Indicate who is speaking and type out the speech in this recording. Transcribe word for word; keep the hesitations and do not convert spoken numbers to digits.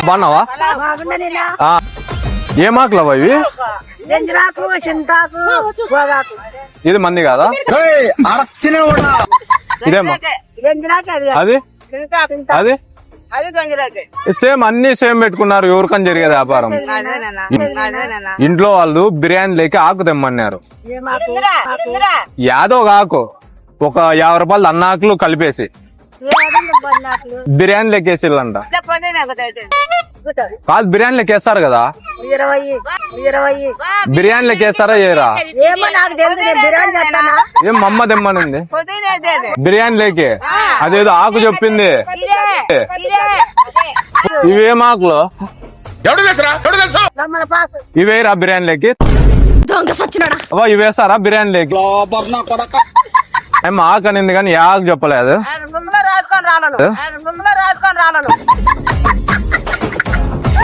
Speaker 1: బాగున్నావా? ఏం ఆకులవా ఇవి? ఇది మంది కాదా? ఇదేమా అది అది సేమ్ అన్ని సేమ్ పెట్టుకున్నారు. ఎవరికని జరిగేది వ్యాపారం. ఇంట్లో వాళ్ళు బిర్యానీ లేక ఆకు తెమ్మన్నారు. యాదో ఒక ఆకు ఒక యాభై రూపాయలు అన్నాకులు కలిపేసి బిర్యానీ లెక్కేసిల్లంట. కాదు బిర్యానీ లెక్కేస్తారు కదా? బిర్యానీ లెక్కేస్తారా చేయరా? ఏం మమ్మ తెమ్మనింది బిర్యానీ లేకే. అదేదో ఆకు చెప్పింది. ఇవేం ఆకులు? ఇవేరా బిర్యానీ లేకి? ఇవేసారా బిర్యానీ లేకి? ఏం ఆకు అనింది కానీ ఏ ఆకు చెప్పలేదు.